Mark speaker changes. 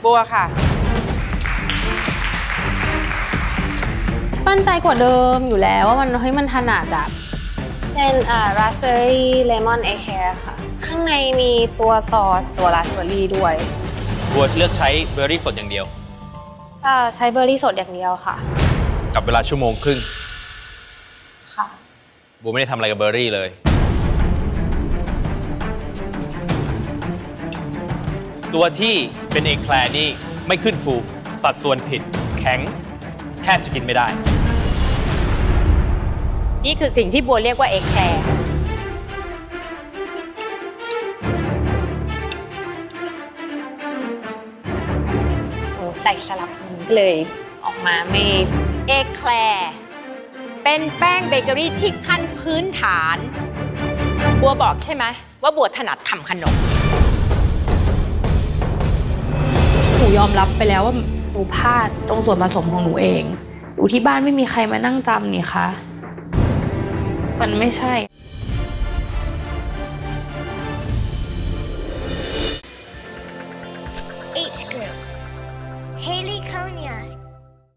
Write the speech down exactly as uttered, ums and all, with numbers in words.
Speaker 1: บัวค่ะ
Speaker 2: มั่นใจกว่าเดิมอยู่แล้วว่ามันเฮ้ยมันถนัดอะเป็นอ่า raspberry lemon egg care ค่ะข้างในมีตัวซอสตัว raspberry ด้วย
Speaker 3: บัวเลือกใช้เบอร์รี่สดอย่างเดียว
Speaker 2: อ่าใช้เบอร์รี่สดอย่างเดียวค่ะ
Speaker 3: กับเวลาชั่วโมงครึ่ง
Speaker 2: ค่ะ
Speaker 3: บัวไม่ได้ทำอะไรกับเบอร์รี่เลยตัวที่เป็นเอกแคลร์นี่ไม่ขึ้นฟูสัดส่วนผิดแข็งแทบจะกินไม่ได้
Speaker 1: นี่คือสิ่งที่บัวเรียกว่าเอกแคร์
Speaker 2: ใส่สลับมันก็เลยออกมาไม่
Speaker 1: เอกแคร์เป็นแป้งเบเกอรี่ที่ขั้นพื้นฐานบัวบอกใช่ไหมว่าบัวถนัดทำขนม
Speaker 2: หนูยอมรับไปแล้วว่าหนูพลาดตรงส่วนผสมของหนูเองอยู่ที่บ้านไม่มีใครมานั่งจำนี่คะมันไม่ใช่